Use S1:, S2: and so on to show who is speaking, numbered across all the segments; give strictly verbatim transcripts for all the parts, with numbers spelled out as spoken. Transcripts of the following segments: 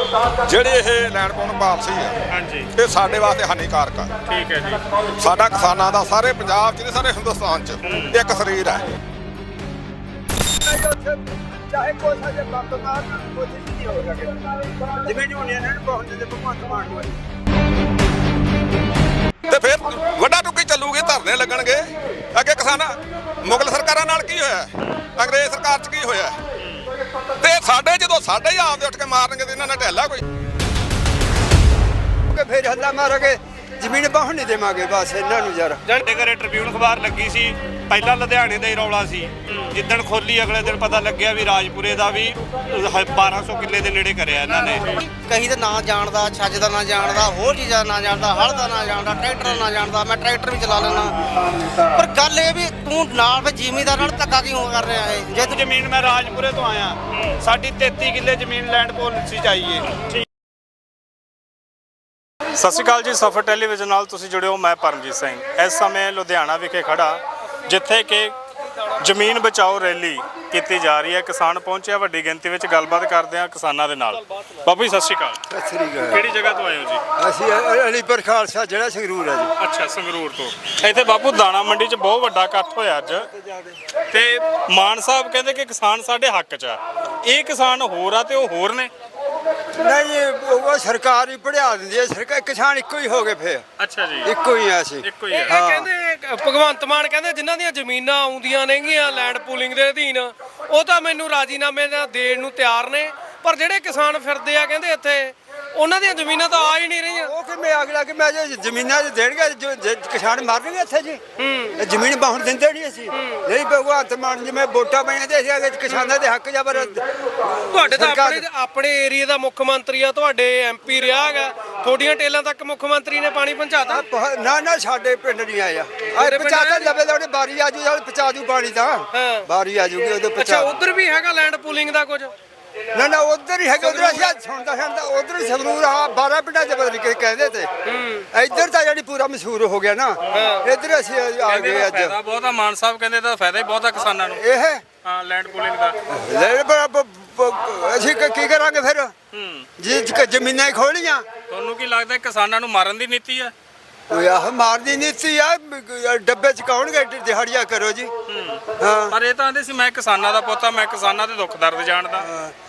S1: ਜਿਹੜੀ ਇਹ ਲੈਂਡ ਪੌਣ ਪਾਲਿਸੀ ਆ
S2: ਹਾਂਜੀ
S1: ਇਹ ਸਾਡੇ ਵਾਸਤੇ ਹਾਨੀਕਾਰਕ ਆ।
S2: ਠੀਕ ਹੈ ਜੀ।
S1: ਸਾਡਾ ਕਿਸਾਨਾਂ ਦਾ ਸਾਰੇ ਪੰਜਾਬ 'ਚ ਨਹੀਂ ਸਾਰੇ ਹਿੰਦੁਸਤਾਨ 'ਚ ਇੱਕ ਸਰੀਰ ਹੈ।
S3: ਚਾਹੇ ਕੋਈ ਸਾਡੇ ਬੰਦ ਮਾਰ ਕੋਸ਼ਿਸ਼ ਨਹੀਂ ਹੋ ਸਕੇ ਜਿਵੇਂ ਯੂਨੀਅਨ ਨੇ ਬਹੁਤ ਦੇ ਭਗਵੰਤ ਮਾਨ ਨੂੰ
S1: ਤੇ ਫਿਰ ਵੱਡਾ ਟੁੱਕੀ ਚੱਲੂਗੀ, ਧਰਨੇ ਲੱਗਣਗੇ ਅੱਗੇ। ਕਿਸਾਨਾਂ ਮੁਗਲ ਸਰਕਾਰਾਂ ਨਾਲ ਕੀ ਹੋਇਆ, ਅੰਗਰੇਜ਼ ਸਰਕਾਰ 'ਚ ਕੀ ਹੋਇਆ, ਤੇ ਸਾਡੇ ਜਦੋਂ ਸਾਡੇ ਹੀ ਆਪਦੇ ਉੱਠ ਕੇ ਮਾਰਨਗੇ ਤੇ ਇਹਨਾਂ ਨੇ ਢਹਿਲਾ ਕੋਈ
S3: ਫਿਰ ਹੱਲਾ ਮਾਰਾਂਗੇ, ਜ਼ਮੀਨ ਬਾਹਰ ਨਹੀਂ ਦੇਵਾਂਗੇ ਬਸ ਇਹਨਾਂ ਨੂੰ ਯਾਰ।
S2: ਸਾਡੇ ਘਰੇ ਟ੍ਰਿਬਿਊਨ ਅਖਬਾਰ ਲੱਗੀ ਸੀ, ਪਹਿਲਾਂ ਲੁਧਿਆਣੇ ਦਾ ਹੀ ਰੌਲਾ ਸੀ। ਜਿੱਦਣ ਖੋਲੀ ਅਗਲੇ ਦਿਨ ਪਤਾ ਲੱਗਿਆ ਵੀ ਰਾਜਪੁਰੇ ਦਾ ਵੀ ਬਾਰਾਂ ਸੌ ਕਿੱਲੇ ਦੇ ਨੇੜੇ ਕਰਿਆ ਇਹਨਾਂ ਨੇ।
S4: ਕਹੀ ਦਾ ਨਾਂ ਜਾਣਦਾ, ਛੱਜ ਦਾ ਨਾਂ ਜਾਣਦਾ, ਹੋਰ ਚੀਜ਼ਾਂ ਦਾ ਨਾਂ ਜਾਣਦਾ, ਹਲ ਦਾ ਨਾਂ ਜਾਣਦਾ, ਟਰੈਕਟਰ ਦਾ ਨਾਂ ਜਾਣਦਾ। ਮੈਂ ਟਰੈਕਟਰ ਵੀ ਚਲਾ ਲੈਣਾ, ਪਰ ਗੱਲ ਇਹ ਵੀ ਤੂੰ ਨਾਲ ਫਿਰ ਜ਼ਿਮੀਂਦਾਰ ਨਾਲ ਧੱਕਾ ਕਿਉਂ ਕਰ ਰਿਹਾ ਹੈ?
S2: ਜੇ ਤੂੰ ਜ਼ਮੀਨ, ਮੈਂ ਰਾਜਪੁਰੇ ਤੋਂ ਆਇਆ, ਸਾਡੀ ਤੇਤੀ ਕਿੱਲੇ ਜ਼ਮੀਨ ਲੈਂਡ ਪਾਲਿਸੀ ਚਾਹੀਏ। ਸਤਿ ਸ਼੍ਰੀ ਅਕਾਲ ਜੀ, ਸਫਰ ਟੈਲੀਵਿਜ਼ਨ ਨਾਲ ਤੁਸੀਂ ਜੁੜੇ ਹੋ। ਮੈਂ ਪਰਮਜੀਤ ਸਿੰਘ ਇਸ ਸਮੇਂ ਲੁਧਿਆਣਾ ਵਿਖੇ ਖੜਾ, ਜਿੱਥੇ ਕਿ ਜ਼ਮੀਨ ਬਚਾਓ ਰੈਲੀ ਕੀਤੀ ਜਾ ਰਹੀ ਹੈ। ਕਿਸਾਨ ਪਹੁੰਚਿਆ, ਵੱਡੀ ਗਿਣਤੀ ਵਿੱਚ ਗੱਲਬਾਤ ਕਰਦੇ ਆ ਕਿਸਾਨਾਂ ਦੇ ਨਾਲ। ਬਾਬੂ ਜੀ ਸਤਿ ਸ਼੍ਰੀ ਅਕਾਲ।
S3: ਸਤਿ ਸ੍ਰੀ ਅਕਾਲ।
S2: ਕਿਹੜੀ ਜਗ੍ਹਾ ਤੋਂ ਆਏ ਹੋ ਜੀ?
S3: ਅਸੀਂ ਅਲੀਪੁਰ ਖਾਲਸਾ ਜਿਹੜਾ ਸੰਗਰੂਰ ਹੈ ਜੀ।
S2: ਅੱਛਾ, ਸੰਗਰੂਰ ਤੋਂ। ਇੱਥੇ ਬਾਪੂ ਦਾਣਾ ਮੰਡੀ 'ਚ ਬਹੁਤ ਵੱਡਾ ਇਕੱਠ ਹੋਇਆ ਅੱਜ, ਤੇ ਮਾਨ ਸਾਹਿਬ ਕਹਿੰਦੇ ਕਿ ਕਿਸਾਨ ਸਾਡੇ ਹੱਕ 'ਚ ਆ। ਇਹ ਕਿਸਾਨ ਹੋਰ ਆ ਤੇ ਉਹ ਹੋਰ ਨੇ?
S3: ਨਹੀਂ, ਉਹ ਸਰਕਾਰ ਹੀ ਪੜਿਆ ਦਿੰਦੀ ਹੈ। ਸਰਕਾਰ ਕਿਸਾਨ ਇੱਕੋ ਹੀ ਹੋ ਗਏ ਫਿਰ।
S2: ਅੱਛਾ ਜੀ,
S3: ਇੱਕੋ ਹੀ ਆ ਅਸੀਂ।
S2: ਇੱਕੋ ਹੀ ਆ।
S3: ਹਾਂ।
S5: ਕਹਿੰਦੇ ਭਗਵੰਤ ਮਾਨ ਕਹਿੰਦੇ ਜਿਨ੍ਹਾਂ ਦੀਆਂ ਜ਼ਮੀਨਾਂ ਆਉਂਦੀਆਂ ਨੇਗੀਆਂ ਲੈਂਡ ਪੂਲਿੰਗ ਦੇ ਅਧੀਨ, ਉਹ ਤਾਂ ਮੈਨੂੰ ਰਾਜੀਨਾਮੇ ਦਾ ਦੇਣ ਨੂੰ ਤਿਆਰ ਨੇ, ਪਰ ਜਿਹੜੇ ਕਿਸਾਨ ਫਿਰਦੇ ਆ ਕਹਿੰਦੇ ਇੱਥੇ, ਉਹਨਾਂ ਦੀਆਂ ਜ਼ਮੀਨਾਂ ਤਾਂ ਆ ਹੀ ਨਹੀਂ ਰਹੀਆਂ।
S3: ਉਹ ਕਿਵੇਂ ਅਗਲਾ ਕਿ ਮੈਂ ਜੇ ਜ਼ਮੀਨਾਂ 'ਚ ਦੇਣਗੇ ਜੋ ਜੇ ਕਿਸਾਨ ਮਰਨਗੇ ਇੱਥੇ ਜੀ।
S5: ਹੂੰ,
S3: ਜ਼ਮੀਨ ਬਾਹਰ ਦਿੰਦੇ ਨਹੀਂ ਅਸੀਂ। ਨਹੀਂ ਭਗਵੰਤ ਮਾਨ ਜਿਵੇਂ ਵੋਟਾਂ ਪਈਆਂ ਤੇ ਅਸੀਂ ਅਗੇ ਕਿਸਾਨਾਂ ਦੇ ਹੱਕ ਜਬਰ।
S5: ਤੁਹਾਡੇ ਤਾਂ ਆਪਣੇ ਆਪਣੇ ਏਰੀਆ ਦਾ ਮੁੱਖ ਮੰਤਰੀ ਆ, ਤੁਹਾਡੇ ਐਮਪੀ ਰਿਹਾ ਹੈਗਾ, ਤੁਹਾਡੀਆਂ ਟੇਲਾਂ ਤੱਕ ਮੁੱਖ ਮੰਤਰੀ ਨੇ ਪਾਣੀ ਪਹੁੰਚਾਤਾ।
S3: ਨਾ ਨਾ ਸਾਡੇ ਪਿੰਡ ਨਹੀਂ ਆਇਆ। ਆਏ ਪਚਾਤਾ ਲਵੇ ਦਾ ਉਹਨੇ ਬਾਰੀ ਆਜੂ ਜਾਂ ਪਚਾ ਦੂ ਪਾਣੀ ਤਾਂ
S5: ਹਾਂ।
S3: ਬਾਰੀ ਆਜੂਗੀ ਉਹਦੇ
S5: ਅੱਛਾ,
S3: ਪਚਾ।
S5: ਉਧਰ ਵੀ ਹੈਗਾ ਲੈਂਡ ਪੂਲਿੰਗ ਦਾ ਕੁਝ?
S3: ਨਾ ਨਾ ਉਧਰ ਹੀ ਹੈਗਾ, ਉਧਰ ਅਸੀਂ ਸੁਣਦਾ ਸੁਣਦਾ ਉਧਰ ਹੀ ਸੰਗਰੂਰ ਆ ਬਾਰਾਂ ਪਿੰਡਾਂ ਚ ਬਦਲ ਕੇ ਕਹਿੰਦੇ ਤੇ। ਇੱਧਰ ਤਾਂ ਜਿਹੜੀ ਪੂਰਾ ਮਸ਼ਹੂਰ ਹੋ ਗਿਆ ਨਾ, ਇੱਧਰ ਅਸੀਂ ਆ ਗਏ ਅੱਜ।
S2: ਫਾਇਦਾ ਬਹੁਤ ਆ, ਮਾਨ ਸਾਹਿਬ ਕਹਿੰਦੇ ਤਾਂ ਫਾਇਦਾ ਹੀ ਬਹੁਤ ਆ ਕਿਸਾਨਾਂ ਨੂੰ।
S3: ਇਹ
S2: ਹਾਂ, ਲੈਂਡ ਪੂਲਿੰਗ ਦਾ।
S3: ਲੈ ਬ- ਬ- ਬ- ਅਸੀਂ ਕੀ ਕੀ ਕਰਾਂਗੇ ਫਿਰ
S2: ਹੂੰ,
S3: ਜੀ? ਜ਼ਮੀਨਾਂ ਹੀ ਖੋਲੀਆਂ।
S2: ਤੁਹਾਨੂੰ ਕੀ ਲੱਗਦਾ ਕਿਸਾਨਾਂ ਨੂੰ ਮਾਰਨ ਦੀ ਨੀਤੀ ਆ?
S3: ਉਹ ਆਹ ਮਾਰਦੀ ਨੀਤੀ ਆ, ਡੱਬੇ ਚ ਕਾਉਣਗੇ ਦਿਹਾੜੀਆਂ ਕਰੋ ਜੀ। ਹਾਂ,
S2: ਪਰ ਇਹ ਤਾਂ ਆਂਦੇ ਸੀ ਮੈਂ ਕਿਸਾਨਾਂ ਦਾ ਪੁੱਤ ਆ, ਮੈਂ ਕਿਸਾਨਾਂ ਦੇ ਦੁੱਖ ਦਰਦ ਜਾਣਦਾ।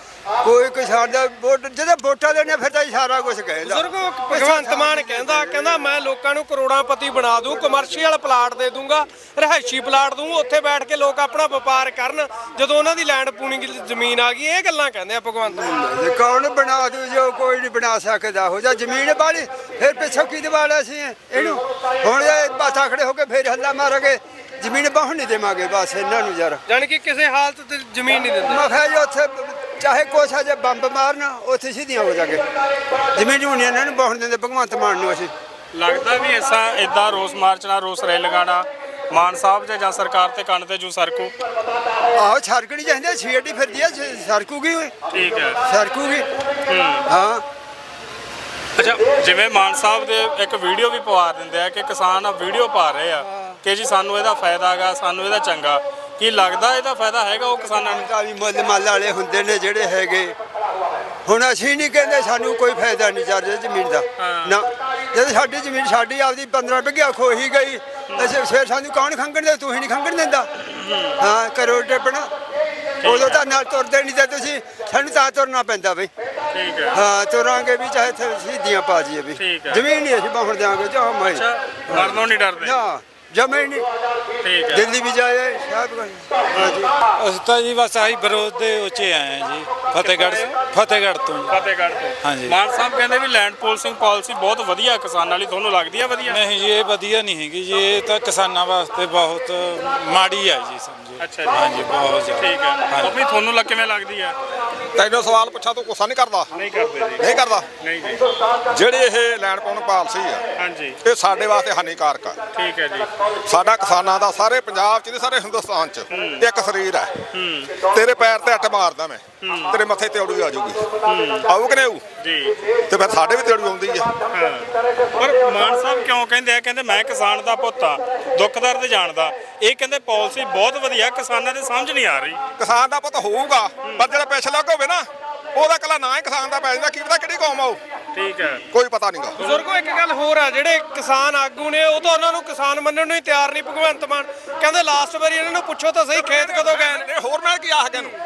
S3: ਕੋਈ ਕਿਸਾਨ ਦਾ ਵੋਟ ਜਦੋਂ ਵੋਟਾਂ ਦੇਣੇ ਫਿਰ ਤਾਂ ਸਾਰਾ ਕੁਝ ਕਹਿੰਦਾ।
S5: ਬਜ਼ੁਰਗੋ, ਭਗਵੰਤ ਮਾਨ ਕਹਿੰਦਾ ਕਹਿੰਦਾ ਮੈਂ ਲੋਕਾਂ ਨੂੰ ਕਰੋੜਾਂਪਤੀ ਬਣਾ ਦੂੰ, ਕਮਰਸ਼ੀਅਲ ਪਲਾਟ ਦੇ ਦੂੰਗਾ, ਰਿਹਾਇਸ਼ੀ ਪਲਾਟ ਦੂੰ, ਉੱਥੇ ਬੈਠ ਕੇ ਲੋਕ ਆਪਣਾ ਵਪਾਰ ਕਰਨ ਜਦੋਂ ਉਹਨਾਂ ਦੀ ਲੈਂਡ ਪੂਲਿੰਗ ਜ਼ਮੀਨ ਆ ਗਈ। ਇਹ ਗੱਲਾਂ ਕਹਿੰਦੇ ਆ ਭਗਵੰਤ ਮਾਨ।
S3: ਜੇ ਕੌਣ ਬਣਾ ਦੂ, ਜੋ ਕੋਈ ਨਹੀਂ ਬਣਾ ਸਕਦਾ। ਹੋ ਜਾ ਜ਼ਮੀਨ ਵਾਲੀ ਫਿਰ ਪਿੱਛੋਂ ਕੀ ਦਿਵਾਲਾ ਸੀ ਇਹਨੂੰ। ਹੁਣ ਇਹ ਬਾਥਾ ਖੜੇ ਹੋ ਕੇ ਫਿਰ ਹੱਲਾ ਮਾਰਾਂਗੇ, ਜ਼ਮੀਨ ਬਾਹਰ ਨਹੀਂ ਦੇਵਾਂਗੇ ਬਸ ਇਹਨਾਂ ਨੂੰ ਯਾਰ।
S5: ਜਾਣੀ ਕਿ ਕਿਸੇ ਹਾਲਤ ਤੇ ਜ਼ਮੀਨ ਨਹੀਂ ਦਿੰਦੇ।
S3: ਮੈਂ ਕਿਹਾ ਜੀ ਉੱਥੇ ਚਾਹੇ ਕੁਛ ਆ ਜੇ ਬੰਬ ਮਾਰਨ ਉੱਥੇ ਸਿੱਧੀਆਂ ਹੋ ਜਾਗੇ। ਜ਼ਮੀਨ ਯੂਨੀਅਨ ਇਹਨਾਂ ਨੂੰ ਬਾਹਰ ਦਿੰਦੇ ਭਗਵੰਤ ਮਾਨ ਨੂੰ। ਅਸੀਂ
S2: ਲੱਗਦਾ ਵੀ ਐਸਾ ਇਦਾਂ ਰੋਸ ਮਾਰਚ ਨਾਲ ਰੋਸ ਰੈਲੀ ਲਗਾਉਣਾ ਮਾਨ ਸਾਹਿਬ ਦੇ ਜਾਂ ਸਰਕਾਰ ਤੇ ਕੰਨ ਤੇ ਜੂ ਸਰਕੂ।
S3: ਆਹੋ ਛਰਕਣੀ ਚਾਹੀਦੀ, ਛੇੜੀ ਫਿਰਦੀ ਆ, ਸਰਕੂਗੀ ਓਏ,
S2: ਠੀਕ ਹੈ।
S3: ਸਰਕੂਗੀ। ਹਾਂ,
S2: ਅੱਛਾ, ਜਿਵੇਂ ਮਾਨ ਸਾਹਿਬ ਦੇ ਇੱਕ ਵੀਡੀਓ ਵੀ ਪਵਾ ਦਿੰਦੇ ਆ ਕਿ ਕਿਸਾਨ ਆ ਵੀਡੀਓ ਪਾ ਰਹੇ ਆ ਕਿ ਜੀ ਸਾਨੂੰ ਇਹਦਾ ਫਾਇਦਾ ਹੈਗਾ, ਸਾਨੂੰ ਇਹਦਾ ਚੰਗਾ। ਕੀ ਲੱਗਦਾ ਇਹਦਾ ਫਾਇਦਾ ਹੈਗਾ ਉਹ ਕਿਸਾਨਾਂ ਨੂੰ?
S3: ਤਾਂ ਵੀ ਮੁੱਲ ਮੱਲ ਵਾਲੇ ਹੁੰਦੇ ਨੇ ਜਿਹੜੇ ਹੈਗੇ। ਹੁਣ ਅਸੀਂ ਨਹੀਂ ਕਹਿੰਦੇ ਸਾਨੂੰ ਕੋਈ ਫਾਇਦਾ ਨਹੀਂ ਚੱਲ ਰਿਹਾ ਜ਼ਮੀਨ ਦਾ ਨਾ। ਜਦ ਸਾਡੀ ਜ਼ਮੀਨ ਸਾਡੀ ਆਪਦੀ ਪੰਦਰਾਂ ਬਿੱਘਾ ਖੋਹੀ ਗਈ, ਅਸੀਂ ਫਿਰ ਸਾਨੂੰ ਕੌਣ ਖੰਗਣ ਦੇ? ਤੂੰ ਹੀ ਨਹੀਂ ਖੰਗਣ ਦਿੰਦਾ। ਹਾਂ, ਕਰੋ ਟੇਪਣਾ। ਉਦੋਂ ਤਾਂ ਨਾਲ ਤੁਰਦੇ ਨਹੀਂ ਤੇ ਤੁਸੀਂ, ਸਾਨੂੰ ਤਾਂ ਤੁਰਨਾ ਪੈਂਦਾ ਬਈ।
S2: ਠੀਕ ਹੈ।
S3: ਹਾਂ, ਤੁਰਾਂਗੇ ਵੀ ਚਾਹੇ ਸਿੱਧੀਆਂ ਪਾ ਜੀਏ ਵੀ। ਜ਼ਮੀਨ ਨਹੀਂ ਅਸੀਂ ਬਾਹਰ ਦਿਆਂਗੇ ਜਾਂ ਮੈਂ
S2: ਮਰਨੋਂ ਨਹੀਂ ਡਰਦੇ?
S3: ਨਾ ਜਮੇ ਨਹੀਂ।
S2: ਠੀਕ ਹੈ।
S3: ਦਿੱਲੀ ਵੀ ਜਾਏ ਸ਼ਾਇਦ ਕੋਈ। ਹਾਂਜੀ,
S6: ਅਸੀਂ ਤਾਂ ਜੀ ਬਸ ਆਹੀ ਵਿਰੋਧ ਦੇ ਉੱਚੇ ਆਏ ਹਾਂ ਜੀ, ਫਤਿਹਗੜ੍ਹ ਫਤਿਹਗੜ੍ਹ ਤੋਂ ਜੀ।
S2: ਫਤਿਹਗੜ੍ਹ ਤੋਂ।
S6: ਹਾਂਜੀ।
S2: ਮਾਨ ਸਾਹਿਬ ਕਹਿੰਦੇ ਵੀ ਲੈਂਡ ਪੋਲਿਸਿੰਗ ਪਾਲਿਸੀ ਬਹੁਤ ਵਧੀਆ ਕਿਸਾਨਾਂ ਲਈ, ਤੁਹਾਨੂੰ ਲੱਗਦੀ ਆ ਵਧੀਆ?
S6: ਨਹੀਂ ਜੀ, ਇਹ ਵਧੀਆ ਨਹੀਂ ਹੈਗੀ ਜੀ, ਇਹ ਤਾਂ ਕਿਸਾਨਾਂ ਵਾਸਤੇ ਬਹੁਤ ਮਾੜੀ ਆ ਜੀ, ਸਮਝੋ।
S2: ਅੱਛਾ ਜੀ।
S6: ਹਾਂਜੀ, ਬਹੁਤ ਜ਼ਿਆਦਾ।
S2: ਠੀਕ ਹੈ। ਉਹ ਵੀ ਤੁਹਾਨੂੰ ਲੱਗ ਕਿਵੇਂ ਲੱਗਦੀ ਆ?
S1: ਤੈਨੂੰ ਸਵਾਲ ਪੁੱਛਾਂ ਤੂੰ ਗੁੱਸਾ ਨਹੀਂ ਕਰਦਾ?
S2: ਨਹੀਂ ਕਰਦੇ ਜੀ।
S1: ਨਹੀਂ ਕਰਦਾ।
S2: ਨਹੀਂ ਜੀ।
S1: ਜਿਹੜੀ ਇਹ ਲੈਂਡ ਪੌਣ ਪਾਲਿਸੀ ਆ
S2: ਹਾਂਜੀ,
S1: ਇਹ ਸਾਡੇ ਵਾਸਤੇ ਹਾਨੀਕਾਰਕ ਆ।
S2: ਠੀਕ ਹੈ ਜੀ।
S1: ਸਾਡਾ ਕਿਸਾਨਾਂ ਦਾ ਸਾਰੇ ਪੰਜਾਬ 'ਚ ਨਹੀਂ ਸਾਰੇ ਹਿੰਦੁਸਤਾਨ 'ਚ ਇੱਕ ਸਰੀਰ ਹੈ।
S2: ਹੂੰ,
S1: ਤੇਰੇ ਪੈਰ ਤੇ ਅੱਟ ਮਾਰਦਾ ਮੈਂ, ਤੇਰੇ ਮੱਥੇ ਤੇ ਔੜੀ ਆ ਜਾਊਗੀ। ਆਊ ਕਿ ਨਹੀਂ ਆਊ?
S2: ਜੀ।
S1: ਤੇ ਫਿਰ ਸਾਡੇ ਵੀ ਤੇ ਔੜੀ ਆਉਂਦੀ ਆ।
S2: ਹਾਂ। ਪਰ ਮਾਨ ਸਾਹਿਬ ਕਿਉਂ ਕਹਿੰਦੇ ਆ, ਕਹਿੰਦੇ ਮੈਂ ਕਿਸਾਨ ਦਾ ਪੁੱਤ ਆ, ਦੁੱਖ ਦਰਦ ਜਾਣਦਾ। ਇਹ ਕਹਿੰਦੇ ਪਾਲਿਸੀ ਬਹੁਤ ਵਧੀਆ, ਕਿਸਾਨਾਂ ਦੇ ਸਮਝ ਨਹੀਂ ਆ ਰਹੀ।
S1: ਕਿਸਾਨ ਦਾ ਪੁੱਤ ਹੋਊਗਾ, ਪਰ ਜਿਹੜਾ ਪਿਛਲਾ ਹੋਵੇ ਨਾ ਉਹਦਾ ਕੱਲਾ ਨਾਂ ਹੀ ਕਿਸਾਨ ਦਾ ਪੈ ਜਾਂਦਾ, ਕੀ ਪਤਾ ਕਿਹੜੀ ਕੌਮ ਆ ਉਹ,
S2: ਠੀਕ ਹੈ।
S1: ਕੋਈ ਪਤਾ ਨਹੀਂਗਾ।
S5: ਬਜ਼ੁਰਗੋ ਇੱਕ ਗੱਲ ਹੋਰ ਆ, ਜਿਹੜੇ ਕਿਸਾਨ ਆਗੂ ਨੇ ਉਹ ਤਾਂ ਉਹਨਾਂ ਨੂੰ ਕਿਸਾਨ ਮੰਨਣ ਨੂੰ ਹੀ ਤਿਆਰ ਨਹੀਂ। ਭਗਵੰਤ ਮਾਨ ਕਹਿੰਦੇ ਲਾਸਟ ਵਾਰੀ ਇਹਨਾਂ ਨੂੰ ਪੁੱਛੋ ਤਾਂ ਸਹੀ ਖੇਤ ਕਦੋਂ ਗਏ ਨੇ।
S1: ਇਹ ਹੋਰ ਮੈਂ ਕੀ ਆਖ ਗਿਆ ਨੂੰ,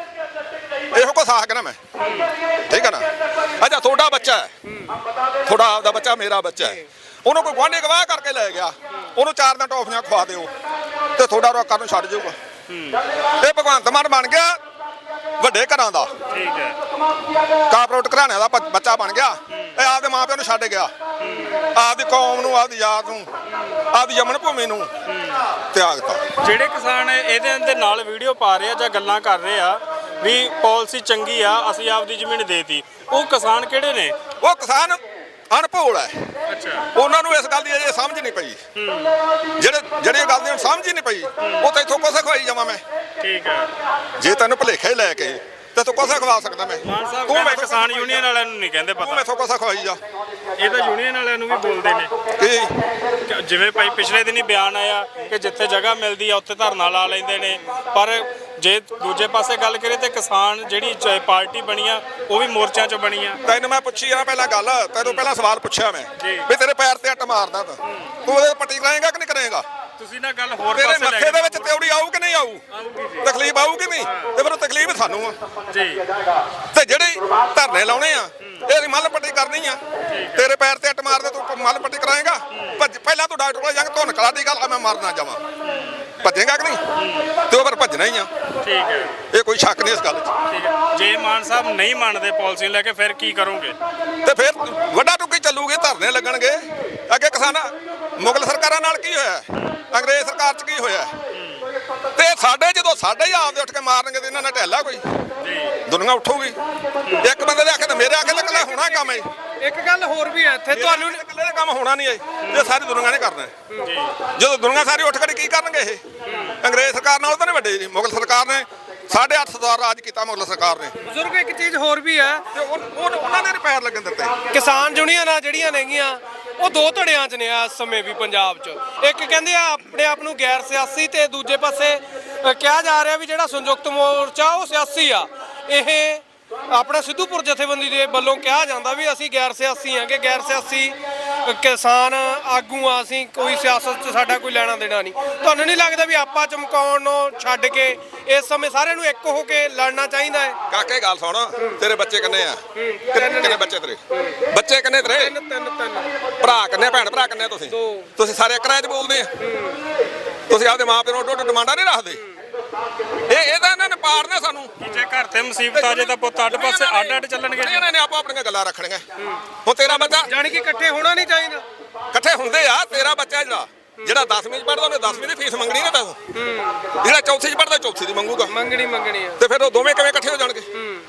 S1: ਇਹੋ ਕੁਛ ਆਖ ਗਿਆ ਨਾ ਮੈਂ, ਠੀਕ ਹੈ ਨਾ। ਅੱਛਾ ਤੁਹਾਡਾ ਬੱਚਾ ਹੈ, ਤੁਹਾਡਾ ਆਪਦਾ ਬੱਚਾ, ਮੇਰਾ ਬੱਚਾ ਹੈ, ਉਹਨੂੰ ਕੋਈ ਗੁਆਂਢੀ ਗਵਾਹ ਕਰਕੇ ਲੈ ਗਿਆ, ਉਹਨੂੰ ਚਾਰ ਦਿਨ ਟੌਫੀਆਂ ਖਵਾ ਦਿਓ ਤੇ ਤੁਹਾਡਾ ਰੋਕਾ ਨੂੰ ਛੱਡ ਜਾਊਗਾ। ਇਹ ਭਗਵੰਤ ਮਾਨ ਬਣ ਗਿਆ ਵੱਡੇ ਘਰਾਂ ਦਾ,
S2: ਠੀਕ ਹੈ।
S1: ਕਾਰਪੋਰੇਟ ਘਰਾਣਿਆਂ ਦਾ ਬ- ਬੱਚਾ ਬਣ ਗਿਆ। ਇਹ ਆਪਦੇ ਮਾਂ ਪਿਓ ਨੂੰ ਛੱਡ ਗਿਆ, ਆਪਦੀ ਕੌਮ ਨੂੰ, ਆਪਦੀ ਯਾਦ ਨੂੰ, ਆਪਦੀ ਜਮਨ ਭੂਮੀ ਨੂੰ ਤਿਆਗਤਾ।
S2: ਜਿਹੜੇ ਕਿਸਾਨ ਇਹਦੇ ਦੇ ਨਾਲ ਵੀਡੀਓ ਪਾ ਰਹੇ ਆ ਜਾਂ ਗੱਲਾਂ ਕਰ ਰਹੇ ਆ ਵੀ ਪਾਲਿਸੀ ਚੰਗੀ ਆ, ਅਸੀਂ ਆਪਦੀ ਜ਼ਮੀਨ ਦੇਤੀ, ਉਹ ਕਿਸਾਨ ਕਿਹੜੇ ਨੇ?
S1: ਉਹ ਕਿਸਾਨ ਅਣਭੋਲ ਹੈ,
S2: ਅੱਛਾ,
S1: ਉਹਨਾਂ ਨੂੰ ਇਸ ਗੱਲ ਦੀ ਅਜੇ ਸਮਝ ਨਹੀਂ ਪਈ। ਜਿਹੜੇ ਜਿਹੜੇ ਗੱਲ ਦੀ ਸਮਝ ਹੀ ਨਹੀਂ ਪਈ, ਉਹ ਤਾਂ ਇੱਥੋਂ ਕੁਛ ਖਵਾਈ ਜਾਵਾਂ ਮੈਂ।
S2: ਠੀਕ ਹੈ।
S1: ਜੇ ਤੈਨੂੰ ਭੁਲੇਖੇ ਲੈ ਕੇ ਤੇ ਤੂੰ ਕੁਛ ਖਵਾ ਸਕਦਾ ਮੈਂ।
S2: ਮਾਨ ਸਾਹਿਬ
S1: ਤੂੰ
S2: ਕਹਿੰਦੇ
S1: ਮੈਥੋਂ
S2: ਕਿਸਾਨ ਯੂਨੀਅਨ ਵਾਲਿਆਂ ਨੂੰ ਨਹੀਂ ਕਹਿੰਦੇ
S1: ਤੂੰ
S2: ਪਤਾ,
S1: ਮੈਥੋਂ ਕੁਛ ਖਵਾਈ ਜਾ।
S2: ਇਹ ਤਾਂ ਯੂਨੀਅਨ ਵਾਲਿਆਂ ਨੂੰ ਵੀ ਬੋਲਦੇ ਨੇ।
S1: ਕੀ
S2: ਕਿ ਜਿਵੇਂ ਭਾਈ ਪਿਛਲੇ ਦਿਨੀ ਬਿਆਨ ਆਇਆ ਕਿ ਜਿੱਥੇ ਜਗ੍ਹਾ ਮਿਲਦੀ ਆ ਉੱਥੇ ਧਰਨਾ ਲਾ ਲੈਂਦੇ ਨੇ, ਪਰ ਜੇ ਦੂਜੇ ਪਾਸੇ ਗੱਲ ਕਰੀਏ ਤੇ ਕਿਸਾਨ ਜਿਹੜੀ ਚ- ਪਾਰਟੀ ਬਣੀ ਆ ਉਹ ਵੀ ਮੋਰਚਿਆਂ 'ਚ ਬਣੀ ਆ।
S1: ਤੈਨੂੰ ਮੈਂ ਪੁੱਛੀ ਆ ਪਹਿਲਾਂ ਗੱਲ, ਤੈਨੂੰ ਪਹਿਲਾਂ ਸਵਾਲ ਪੁੱਛਿਆ ਮੈਂ
S2: ਜੀ।
S1: ਵੀ ਤੇਰੇ ਪੈਰ ਤੇ ਅੱਟ ਮਾਰਦਾ ਤਾਂ ਤੂੰ ਉਹਦੇ ਪੱਟੀ ਕਰਾਏਗਾ ਕਿ ਨਹੀਂ ਕਰੇਗਾ?
S2: ਤੁਸੀਂ ਨਾ ਗੱਲ ਹੋਰ
S1: ਤੇਰੇ
S2: ਪਾਸੇ ਲੈ
S1: ਮੱਥੇ ਦੇ ਵਿੱਚ ਤਿਉੜੀ ਆਊ ਕਿ ਨਹੀਂ ਆਊ?
S2: ਆਊਗੀ ਜੀ।
S1: ਤਕਲੀਫ ਆਊ ਕਿ ਨਹੀਂ? ਤੇ ਫਿਰ ਉਹ ਤਕਲੀਫ ਸਾਨੂੰ ਆ।
S2: ਜੀ,
S1: ਤੇ ਜਿਹੜੇ ਧਰਨੇ ਲਾਉਣੇ ਆ ਇਹਦੀ ਮੱਲ ਪੱਟੀ ਕਰਨੀ ਆ। ਤੇਰੇ ਪੈਰ ਤੇ ਅੱਟ ਮਾਰਦੇ ਤੂੰ ਮੱਲ ਪੱਟੀ ਕਰਾਏਗਾ? ਭੱਜ ਪਹਿਲਾਂ ਤੂੰ ਡਾਕਟਰ ਕੋਲ ਜਾ ਕੇ ਧੁਨ ਕਲਾ ਦੀ ਗੱਲ ਆ, ਮੈਂ ਮਰ ਨਾ ਜਾਵਾਂ। ਭੱਜੇਗਾ ਕਿ ਨਹੀਂ? ਤੇ ਉਹ ਫਿਰ ਭੱਜਣਾ ਹੀ ਆ,
S2: ਠੀਕ ਹੈ,
S1: ਇਹ ਕੋਈ ਸ਼ੱਕ ਨਹੀਂ ਇਸ ਗੱਲ 'ਚ।
S2: ਠੀਕ ਹੈ। ਜੇ ਮਾਨ ਸਾਹਿਬ ਨਹੀਂ ਮੰਨਦੇ ਪਾਲਿਸੀ ਲੈ ਕੇ ਫਿਰ ਕੀ ਕਰੋਗੇ?
S1: ਤੇ ਫਿਰ ਵੱਡਾ ਟੁੱਕੀ ਚੱਲੂਗੀ, ਧਰਨੇ ਲੱਗਣਗੇ। ਅੱਗੇ ਕਿਸਾਨਾਂ ਮੁਗਲ ਸਰਕਾਰਾਂ ਨਾਲ ਕੀ ਹੋਇਆ, ਅੰਗਰੇਜ਼ ਸਰਕਾਰ 'ਚ ਕੀ ਹੋਇਆ? ਤੇ ਸਾਡੇ ਜਦੋਂ ਸਾਡੇ ਹੀ ਆਪਦੇ ਉੱਠ ਕੇ ਮਾਰਨਗੇ ਤੇ ਇਹਨਾਂ ਨਾਲ ਢਹਿਲਾ ਕੋਈ ਦੁਨੀਆ ਉੱਠੂਗੀ। ਇੱਕ ਬੰਦੇ ਦੇ ਆਖੇ ਤੇ ਮੇਰੇ ਆਖੇ ਤੇ ਇਕੱਲਾ ਹੋਣਾ ਕੰਮ ਹੈ।
S5: ਇੱਕ ਗੱਲ ਹੋਰ ਵੀ ਹੈ ਇੱਥੇ, ਤੁਹਾਨੂੰ
S1: ਇਕੱਲੇ ਦਾ ਕੰਮ ਹੋਣਾ ਨਹੀਂ ਹੈ, ਇਹ ਸਾਰੀ ਦੁਨੀਆ ਨੇ ਕਰਨਾ ਹੈ। ਜਦੋਂ ਦੁਨੀਆ ਸਾਰੀ ਉੱਠ ਖੜੀ ਕੀ ਕਰਨਗੇ ਇਹ? ਅੰਗਰੇਜ਼ ਸਰਕਾਰ ਨਾਲ ਤਾਂ ਨਹੀਂ ਵੱਡੇ ਜੀ, ਮੁਗਲ ਸਰਕਾਰ ਨੇ ਸਾਢੇ ਅੱਠ ਸਾਲ ਰਾਜ ਕੀਤਾ ਮੁਗਲ ਸਰਕਾਰ ਨੇ।
S5: ਬਜ਼ੁਰਗ ਇੱਕ ਚੀਜ਼ ਹੋਰ ਵੀ ਹੈ,
S1: ਤੇ ਉਹ ਉਹ- ਉਹਨਾਂ ਨੇ ਨੀ ਪੈਰ ਲੱਗਣ ਦਿੱਤੇ।
S5: ਕਿਸਾਨ ਯੂਨੀਅਨਾਂ ਜਿਹੜੀਆਂ ਨੇਗੀਆਂ ਉਹ ਦੋ ਧੜਿਆਂ 'ਚ ਨੇ ਇਸ ਸਮੇਂ ਵੀ ਪੰਜਾਬ 'ਚ। ਇੱਕ ਕਹਿੰਦੇ ਆ ਆਪਣੇ ਆਪ ਨੂੰ ਗੈਰ ਸਿਆਸੀ, ਤੇ ਦੂਜੇ ਪਾਸੇ ਅ, ਕਿਹਾ ਜਾ ਰਿਹਾ ਵੀ ਜਿਹੜਾ ਸੰਯੁਕਤ ਮੋਰਚਾ ਉਹ ਸਿਆਸੀ ਆ। ਇਹ ਆਪਣਾ ਸਿੱਧੂਪੁਰ ਜਥੇਬੰਦੀ ਦੇ ਵੱਲੋਂ ਕਿਹਾ ਜਾਂਦਾ ਵੀ ਅਸੀਂ ਗੈਰ ਸਿਆਸੀ ਹਾਂ, ਕਿ ਗੈਰ ਸਿਆਸੀ ਅ, ਕਿਸਾਨ ਆਗੂ ਆ, ਅਸੀਂ ਕੋਈ ਸਿਆਸਤ 'ਚ ਸਾਡਾ ਕੋਈ ਲੈਣਾ ਦੇਣਾ ਨਹੀਂ। ਤੁਹਾਨੂੰ ਨਹੀਂ ਲੱਗਦਾ ਵੀ ਆਪਾ ਚਮਕਾਉਣ ਨੂੰ ਛੱਡ ਕੇ ਇਸ ਸਮੇਂ ਸਾਰਿਆਂ ਨੂੰ ਇੱਕ ਹੋ ਕੇ ਲੜਨਾ ਚਾਹੀਦਾ ਹੈ?
S1: ਕਾਕੇ ਗੱਲ ਸੁਣ, ਤੇਰੇ ਬੱਚੇ ਕਿੰਨੇ ਆ? ਕਿੰਨੇ ਕਿੰਨੇ ਬੱਚੇ ਤੇਰੇ? ਬੱਚੇ ਕਿੰਨੇ ਤੇਰੇ?
S5: ਤਿੰਨ ਤਿੰਨ ਤਿੰਨ
S1: ਭਰਾ ਕਿੰਨੇ, ਭੈਣ ਭਰਾ ਕਿੰਨੇ ਤੁਸੀਂ?
S5: ਦੋ।
S1: ਤੁਸੀਂ ਸਾਰੇ ਇੱਕ ਰਾਜ 'ਚ ਬੋਲਦੇ ਆ? ਤੁਸੀਂ ਆਪਦੇ ਮਾਂ ਪਿਓ ਨੂੰ ਉੱਡ ਉੱਡ ਡਿਮਾਂਡਾਂ ਨਹੀਂ ਰੱਖਦੇ? ਇਹ ਇਹ ਤਾਂ ਇਹਨਾਂ ਨੇ ਪਾੜਨਾ ਸਾਨੂੰ।
S2: ਜੇ ਘਰ ਤੇ ਮੁਸੀਬਤ ਆ ਜੇ ਤਾਂ ਪੁੱਤ ਅੱਡ ਪਾਸੇ ਅੱਡ ਅੱਡ ਚੱਲਣਗੇ।
S1: ਇਹਨਾਂ ਨੇ ਆਪੋ ਆਪਣੀਆਂ ਗੱਲਾਂ ਰੱਖਣੀਆਂ। ਹੁਣ ਤੇਰਾ ਬੱਚਾ
S5: ਜਾਣੀ ਕਿ ਇਕੱਠੇ ਹੋਣਾ ਨਹੀਂ ਚਾਹੀਦਾ।
S1: ਇਕੱਠੇ ਹੁੰਦੇ ਆ। ਤੇਰਾ ਬੱਚਾ ਜਿਹੜਾ ਜਿਹੜਾ ਦਸਵੀਂ 'ਚ ਪੜ੍ਹਦਾ ਉਹਨੇ ਦਸਵੀਂ ਦੀ ਫੀਸ ਮੰਗਣੀ ਨਾ ਤੈਨੂੰ, ਜਿਹੜਾ ਚੌਥੀ 'ਚ ਪੜ੍ਹਦਾ ਚੌਥੀ ਦੀ ਮੰਗੂਗਾ।
S5: ਮੰਗਣੀ ਮੰਗਣੀ ਆ।
S1: ਤੇ ਫਿਰ ਉਹ ਦੋਵੇਂ ਕਿਵੇਂ ਇਕੱਠੇ ਹੋ ਜਾਣਗੇ?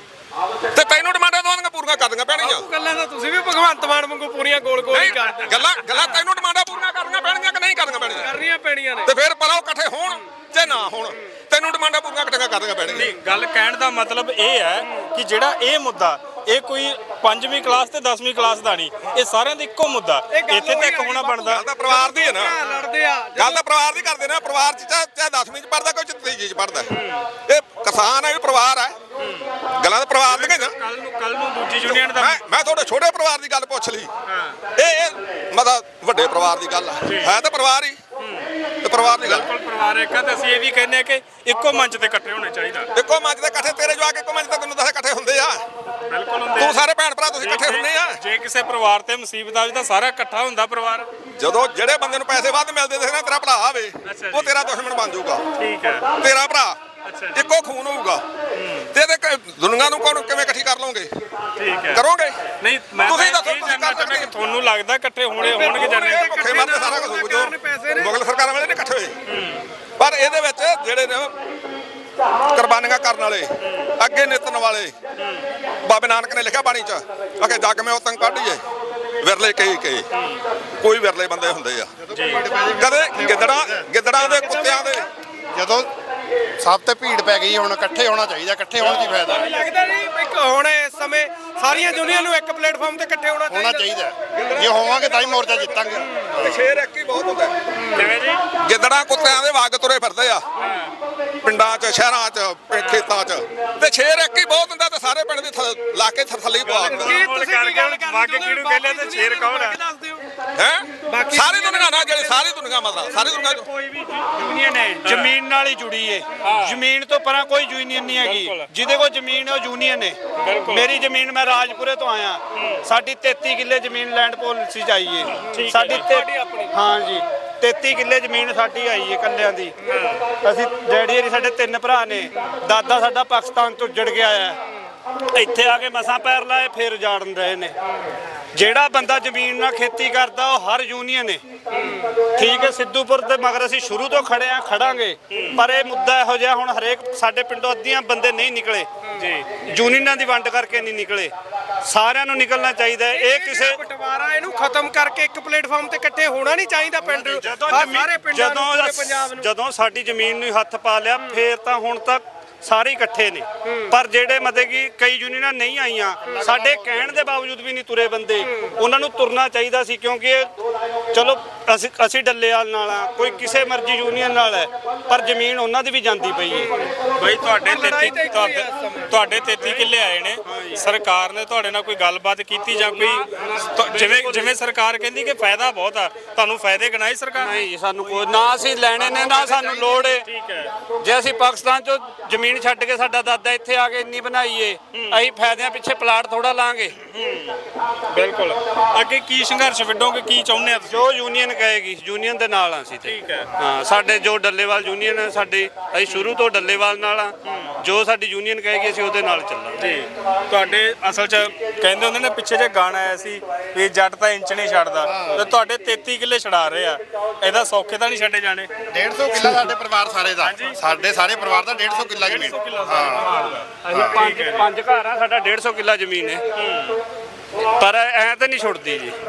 S1: ਤੇ ਤੈਨੂੰ ਡਿਮਾਂਡਾਂ ਦੋਵਾਂ ਪੂਰੀਆਂ ਕਰਨੀਆਂ ਪੈਣਗੀਆਂ।
S5: ਉਹ ਗੱਲਾਂ ਤਾਂ ਤੁਸੀਂ ਵੀ ਭਗਵੰਤ ਮਾਨ ਵਾਂਗੂ ਪੂਰੀਆਂ ਗੋਲ ਗੋਲ ਹੀ
S1: ਨਹੀਂ,
S5: ਕਰਦੇ।
S1: ਗੱਲਾਂ ਗੱਲਾਂ ਤੈਨੂੰ ਡਿਮਾਂਡਾਂ ਪੂਰੀਆਂ ਕਰਨੀਆਂ ਪੈਣਗੀਆਂ ਕਿ ਨਹੀਂ ਕਰਨੀਆਂ ਪੈਣਗੀਆਂ?
S5: ਕਰਨੀਆਂ ਪੈਣੀਆਂ ਨੇ।
S1: ਤੇ ਫਿਰ ਭਲਾ ਉਹ ਇਕੱਠੇ ਹੋਣ ਤੇ ਨਾ ਹੋਣ, ਤੈਨੂੰ ਡਿਮਾਂਡਾਂ ਪੂਰੀਆਂ ਇਕੱਠੀਆਂ ਕਰਨੀਆਂ ਪੈਣਗੀਆਂ।
S2: ਨਹੀਂ, ਗੱਲ ਕਹਿਣ ਦਾ ਮਤਲਬ ਇਹ ਹੈ ਕਿ ਜਿਹੜਾ ਇਹ ਮੁੱਦਾ, ਇਹ ਕੋਈ ਪੰਜਵੀਂ ਕਲਾਸ ਤੇ ਦਸਵੀਂ ਕਲਾਸ ਦਾ ਨਹੀਂ, ਇਹ ਸਾਰਿਆਂ ਦਾ ਇੱਕੋ ਮੁੱਦਾ। ਇੱਥੇ ਤਾਂ ਇੱਕ ਹੋਣਾ ਬਣਦਾ।
S1: ਗੱਲ ਤਾਂ ਪਰਿਵਾਰ ਦੀ ਹੈ ਨਾ,
S5: ਲੜਦੇ ਆ।
S1: ਗੱਲ ਤਾਂ ਪਰਿਵਾਰ ਦੀ ਕਰਦੇ ਨੇ। ਪਰਿਵਾਰ 'ਚ ਚਾਹੇ ਚਾਹੇ ਦਸਵੀਂ 'ਚ ਪੜ੍ਹਦਾ, ਕੋਈ ਤੀਜੀ 'ਚ ਪੜ੍ਹਦਾ, ਇਹ ਕਿਸਾਨ ਹੈ ਵੀ ਪਰਿਵਾਰ ਹੈ। ਗੱਲਾਂ ਤਾਂ ਪਰਿਵਾਰ ਦੀਆਂ ਨਾ।
S2: ਕੱਲ ਨੂੰ ਕੱਲ ਨੂੰ ਦੂਜੀ ਯੂਨੀਅਨ ਦਾ
S1: ਮੈਂ ਮੈਂ ਤੁਹਾਡੇ ਛੋਟੇ ਪਰਿਵਾਰ ਦੀ ਗੱਲ ਪੁੱਛ ਲਈ। ਇਹ ਇਹ ਮਤਲਬ ਵੱਡੇ ਪਰਿਵਾਰ ਦੀ ਗੱਲ ਹੈ ਤਾਂ ਪਰਿਵਾਰ ਹੀ ਤੇ ਪਰਿਵਾਰ ਦੀ ਗੱਲ।
S2: ਬਿਲਕੁਲ ਪਰਿਵਾਰ ਇੱਕ ਆ, ਤੇ ਅਸੀਂ ਇਹ ਵੀ ਕਹਿੰਦੇ ਆ ਕਿ ਇੱਕੋ ਮੰਚ ਤੇ ਇਕੱਠੇ ਹੋਣੇ ਚਾਹੀਦਾ।
S1: ਇੱਕੋ ਮੰਚ ਤੇ ਇਕੱਠੇ, ਤੇਰੇ ਜਵਾਕ ਇੱਕੋ ਮੰਚ ਤੇ ਤੈਨੂੰ ਦੱਸ ਇਕੱਠੇ ਹੁੰਦੇ ਆ।
S2: ਬਿਲਕੁਲ ਹੁੰਦੇ
S1: ਤੂੰ
S2: ਆ।
S1: ਸਾਰੇ ਭੈਣ ਭਰਾ ਤੁਸੀਂ ਇਕੱਠੇ ਹੁੰਦੇ ਆ।
S2: ਜੇ ਕਿਸੇ ਪਰਿਵਾਰ ਤੇ ਮੁਸੀਬਤ ਆਵੇ ਤਾਂ ਸਾਰਾ ਇਕੱਠਾ ਹੁੰਦਾ ਪਰਿਵਾਰ।
S1: ਜਦੋਂ ਜਿਹੜੇ ਬੰਦੇ ਨੂੰ ਪੈਸੇ ਵੱਧ ਮਿਲਦੇ ਦੇਖ ਨਾ, ਤੇਰਾ ਭਰਾ ਆਵੇ
S2: ਅੱਛਾ ਜੀ।
S1: ਉਹ ਤੇਰਾ ਦੁਸ਼ਮਣ ਬਣ ਜਾਊਗਾ।
S2: ਠੀਕ ਹੈ,
S1: ਤੇਰਾ ਭਰਾ
S2: ਅੱਛਾ ਜੀ।
S1: ਇੱਕੋ ਖੂਨ ਹੋਊਗਾ। ਤੇ ਇਹਦੇ ਕ- ਦੁਨੀਆ ਨੂੰ ਕੌਣ ਕਿਵੇਂ ਇਕੱਠੀ ਕਰ ਲਓਗੇ?
S2: ਠੀਕ ਹੈ।
S1: ਕਰੋਗੇ?
S2: ਨਹੀਂ, ਮੈਂ
S1: ਤੁਸੀਂ
S2: ਤਾਂ
S1: ਦੱਸੋ,
S2: ਇਹ
S1: ਤੁਸੀਂ
S2: ਜਾਣਨਾ
S1: ਕਰ
S2: ਚਾਹੁੰਦਾ ਕਿ
S1: ਸਕਦੇ?
S2: ਤੁਹਾਨੂੰ ਲੱਗਦਾ ਇਕੱਠੇ ਹੋਣੇ ਹੋਣਗੇ ਜਾਣੇ।
S1: ਇਹ ਭੁੱਖੇ ਮਰਦੇ ਸਾਰਾ ਕੁਝ ਹੋ ਜਾਓ। ਮੁਗਲ ਸਰਕਾਰਾਂ ਵਾਲੇ ਨੇ ਇਕੱਠੇ ਹੋਏ, ਪਰ ਇਹਦੇ ਵਿੱਚ ਜਿਹੜੇ ਨੇ ਕੁਰਬਾਨੀਆਂ ਕਰਨ ਵਾਲੇ, ਅੱਗੇ ਨਿਤਨ ਵਾਲੇ, ਬਾਬੇ ਨਾਨਕ ਨੇ ਲਿਖਿਆ ਬਾਣੀ 'ਚ ਅਕੇ ਜੱਗ ਮੈਂ ਉਤੰਗ ਕੱਢੀਏ ਵਿਰਲੇ ਕਈ ਕਈ, ਕੋਈ ਵਿਰਲੇ ਬੰਦੇ ਹੁੰਦੇ ਆ। ਕਦੇ ਗਿੱਦੜਾਂ ਗਿੱਦੜਾਂ ਦੇ, ਕੁੱਤਿਆਂ ਦੇ।
S7: ਜਦੋਂ ਸਭ ਤੇ ਭੀੜ ਪੈ ਗਈ, ਹੁਣ ਇਕੱਠੇ ਹੋਣਾ ਚਾਹੀਦਾ। ਇਕੱਠੇ ਹੋਣ ਦੀ ਫਾਇਦਾ
S5: ਲੱਗਦਾ ਨਹੀਂ ਇੱਕ ਹੁਣ ਇਸ ਸਮੇਂ ਸਾਰੀਆਂ ਯੂਨੀਅਨ ਨੂੰ ਇੱਕ ਪਲੇਟਫਾਰਮ ਤੇ ਇਕੱਠੇ ਹੋਣਾ
S7: ਹੋਣਾ
S5: ਚਾਹੀਦਾ।
S7: ਚਾਹੀਦਾ। ਜੇ ਹੋਵਾਂਗੇ ਤਾਂ ਹੀ ਮੋਰਚਾ ਜਿੱਤਾਂਗੇ।
S1: ਤੇ ਸ਼ੇਰ ਇੱਕ ਹੀ ਬਹੁਤ ਹੁੰਦਾ।
S2: ਕਿਵੇਂ ਜੀ?
S1: ਗਿੱਦੜਾਂ ਕੁੱਤਿਆਂ ਦੇ ਵਗ ਤੁਰੇ ਫਿਰਦੇ ਆ ਪਿੰਡਾਂ 'ਚ, ਸ਼ਹਿਰਾਂ 'ਚ, ਖੇਤਾਂ 'ਚ, ਤੇ ਸ਼ੇਰ ਇੱਕ ਹੀ ਬਹੁਤ ਹੁੰਦਾ। ਤੇ ਸਾਰੇ ਪਿੰਡ ਦੇ ਥ- ਲਾ ਕੇ ਥ- ਥੱਲੇ ਹੀ ਪਵਾ ਦਿੱਤਾ
S5: ਕੀ
S2: ਮੁੱਲ
S5: ਤੁਸੀਂ ਕੀ ਗੱਲ
S2: ਕਰਕੇ
S5: ਕਰਨੀ
S2: ਬਾਕੀ
S5: ਚਾਹੁੰਦੇ ਹੋ?
S2: ਕਿਹਨੂੰ ਕਹਿੰਦੇ ਤੇ ਸ਼ੇਰ ਕੌਣ ਆ?
S5: ਦੱਸ ਦਿਓ
S1: ਹੈ
S5: ਬਾਕੀ
S1: ਸਾਰੀ ਦੁਨੀਆ ਨਾਲ ਜਿਹੜੀ ਸਾਰੀ ਦੁਨੀਆ ਮਤਲਬ ਸਾਰੀ ਦੁਨੀਆ ਚੋਂ
S2: ਕੋਈ ਵੀ ਯੂਨੀਅਨ ਹੈ ਜ਼ਮੀਨ ਨਾਲ ਹੀ ਜੁੜੀ ਏ। ਜ਼ਮੀਨ ਤੋਂ ਪਰਾਂ ਕੋਈ ਯੂਨੀਅਨ ਨਹੀਂ ਹੈਗੀ। ਜਿਹਦੇ ਕੋਲ ਜ਼ਮੀਨ ਹੈ ਉਹ ਯੂਨੀਅਨ ਹੈ। ਮੇਰੀ ਜ਼ਮੀਨ, ਮੈਂ ਰਾਜਪੁਰੇ ਤੋਂ ਆਇਆ, ਸਾਡੀ ਤੇਤੀ ਕਿੱਲੇ ਜ਼ਮੀਨ ਲੈਂਡ ਪਾਲਿਸੀ ਚ ਆਈ ਏ। ਸਾਡੀ ਤੇ- ਹਾਂ ਜੀ ਤੇਤੀ ਕਿੱਲੇ ਜ਼ਮੀਨ ਸਾਡੀ ਆਈ ਏ ਕੱਲਿਆਂ ਦੀ। ਅਸੀਂ ਡੈਡੀ ਹਰੀ ਸਾਡੇ ਤਿੰਨ ਭਰਾ ਨੇ, ਦਾਦਾ ਸਾਡਾ ਪਾਕਿਸਤਾਨ ਤੋਂ ਉੱਜੜ ਕੇ ਆਇਆ, ਇੱਥੇ ਆ ਕੇ ਮਸਾਂ ਪੈਰ ਲਾਏ ਫੇਰ ਉਜਾੜਨ ਰਹੇ ਨੇ। ਜਿਹੜਾ ਬੰਦਾ ਜ਼ਮੀਨ ਨਾਲ ਖੇਤੀ ਕਰਦਾ ਉਹ ਹਰ ਯੂਨੀਅਨ ਹੈ। ਠੀਕ ਹੈ, ਸਿੱਧੂਪੁਰ ਦੇ ਮਗਰ ਅਸੀਂ ਸ਼ੁਰੂ ਤੋਂ ਖੜੇ ਆ, ਖੜਾਂਗੇ, ਪਰ ਇਹ ਮੁੱਦਾ ਇਹੋ ਜਿਹਾ ਹੁਣ ਹਰੇਕ ਸਾਡੇ ਪਿੰਡੋਂ ਅੱਧੀਆਂ ਬੰਦੇ ਨਹੀਂ ਨਿਕਲੇ ਜੀ, ਯੂਨੀਅਨਾਂ ਦੀ ਵੰਡ ਕਰਕੇ ਨਹੀਂ ਨਿਕਲੇ, ਸਾਰਿਆਂ ਨੂੰ ਨਿਕਲਣਾ ਚਾਹੀਦਾ ਹੈ। ਇਹ ਕਿਸੇ
S5: ਬਟਵਾਰਾ ਇਹਨੂੰ ਖਤਮ ਕਰਕੇ ਇੱਕ ਪਲੇਟਫਾਰਮ ਤੇ ਇਕੱਠੇ ਹੋਣਾ ਨਹੀਂ ਚਾਹੀਦਾ ਪਿੰਡ
S2: ਜਦੋਂ
S5: ਆਹ
S2: ਜ਼ਮੀਨ-
S5: ਸਾਰੇ ਪਿੰਡਾਂ ਨੂੰ ਪੂਰੇ
S2: ਜਦੋਂ
S5: ਪੰਜਾਬ ਨੂੰ
S2: ਜਦੋਂ ਸਾਡੀ ਜ਼ਮੀਨ ਨੂੰ ਹੱਥ ਪਾ ਲਿਆ ਫੇਰ ਤਾਂ ਹੁਣ ਤੱਕ ਸਾਰੇ ਇਕੱਠੇ ਨੇ। ਪਰ ਜਿਹੜੇ ਮਤਲਬ ਕਿ ਕਈ ਯੂਨੀਅਨਾਂ ਨਹੀਂ ਆਈਆਂ, ਸਾਡੇ ਕਹਿਣ ਦੇ ਬਾਵਜੂਦ ਵੀ ਨਹੀਂ ਤੁਰੇ ਬੰਦੇ, ਉਹਨਾਂ ਨੂੰ ਤੁਰਨਾ ਚਾਹੀਦਾ ਸੀ, ਕਿਉਂਕਿ ਇਹ ਚਲੋ ਅਸੀਂ ਅਸੀਂ ਡੱਲੇਵਾਲ ਨਾਲ ਆ, ਕੋਈ ਕਿਸੇ ਮਰਜ਼ੀ ਯੂਨੀਅਨ ਨਾਲ ਹੈ, ਪਰ ਜ਼ਮੀਨ ਉਹਨਾਂ ਦੀ ਵੀ ਜਾਂਦੀ ਪਈ ਹੈ।
S6: ਬਈ ਤੁਹਾਡੇ
S5: ਲੜਾਈ ਤਾਂ
S6: ਤੇਤੀ
S5: ਇੱਕੋ ਹੀ ਆ ਇਸ ਸਮੇਂ।
S6: ਤੁਹਾਡੇ ਤੇਤੀ ਕਿੱਲੇ ਆਏ ਨੇ, ਸਰਕਾਰ ਨੇ ਤੁਹਾਡੇ ਨਾਲ ਕੋਈ ਗੱਲਬਾਤ ਕੀਤੀ ਜਾਂ ਕੋਈ ਤੁ- ਜਿਵੇਂ ਜਿਵੇਂ ਸਰਕਾਰ ਕਹਿੰਦੀ ਕਿ ਫਾਇਦਾ ਬਹੁਤ ਆ, ਤੁਹਾਨੂੰ ਫਾਇਦੇ ਗਿਣਾਏ ਸਰਕਾਰ ਨੇ?
S2: ਨਹੀਂ ਸਾਨੂੰ ਕੋਈ ਨਾ ਅਸੀਂ ਲੈਣੇ ਨੇ ਨਾ ਸਾਨੂੰ ਲੋੜ ਏ।
S6: ਠੀਕ ਹੈ।
S2: ਜੇ ਅਸੀਂ ਪਾਕਿਸਤਾਨ ਚੋਂ ਜ਼ਮੀਨ ਛੱਡ ਕੇ ਸਾਡਾ ਦਾਦਾ ਇੱਥੇ ਆ ਕੇ ਇੰਨੀ ਬਣਾਈਏ, ਅਸੀਂ ਫਾਇਦਿਆਂ ਪਿੱਛੇ ਪਲਾਟ ਥੋੜਾ ਲਾਂਗੇ।
S6: ਬਿਲਕੁਲ। ਅੱਗੇ ਕੀ ਸੰਘਰਸ਼ ਵਿੱਢੋਗੇ, ਕੀ ਚਾਹੁੰਦੇ ਆ ਤੁਸੀਂ?
S2: ਜੋ ਯੂਨੀਅਨ ਕਹੇਗੀ ਯੂਨੀਅਨ ਦੇ ਨਾਲ ਆ ਅਸੀਂ ਤੇ।
S6: ਠੀਕ ਹੈ।
S2: ਹਾਂ, ਸਾਡੇ ਜੋ ਡੱਲੇਵਾਲ ਯੂਨੀਅਨ ਹੈ ਸਾਡੀ, ਅਸੀਂ ਸ਼ੁਰੂ ਤੋਂ ਡੱਲੇਵਾਲ ਨਾਲ ਆ, ਜੋ ਸਾਡੀ ਯੂਨੀਅਨ ਕਹੇਗੀ ਅਸੀਂ ਉਹਦੇ ਨਾਲ ਚੱਲਾਂਗੇ।
S6: ਜੀ ਤੁਹਾਡੇ ਅਸਲ 'ਚ ਕਹਿੰਦੇ ਹੁੰਦੇ ਨੇ, ਪਿੱਛੇ ਜੇ ਗਾਣਾ ਆਇਆ ਸੀ ਵੀ ਜੱਟ ਤਾਂ ਇੰਚ ਨਹੀਂ ਛੱਡਦਾ, ਤੇ ਤੁਹਾਡੇ ਤੇਤੀ ਕਿੱਲੇ ਛਡਾ ਰਹੇ ਆ, ਇਹਦਾ ਸੌਖੇ ਤਾਂ ਨਹੀਂ ਛੱਡੇ ਜਾਣੇ?
S7: ਡੇਢ ਸੌ ਕਿੱਲਾ ਸਾਡੇ ਪਰਿਵਾਰ ਸਾਰੇ ਦਾ, ਸਾਡੇ ਸਾਰੇ ਪਰਿਵਾਰ ਦਾ ਡੇਢ ਸੌ ਕਿੱਲਾ ਜ਼ਮੀਨ।
S2: ਅਸੀਂ ਪੰਜ ਪੰਜ ਘਰ ਆ, ਸਾਡਾ ਡੇਢ ਸੌ ਕਿੱਲਾ ਜ਼ਮੀਨ ਹੈ, ਪਰ ਐ ਤਾਂ ਨਹੀਂ ਛੁੱਟਦੀ ਜੀ।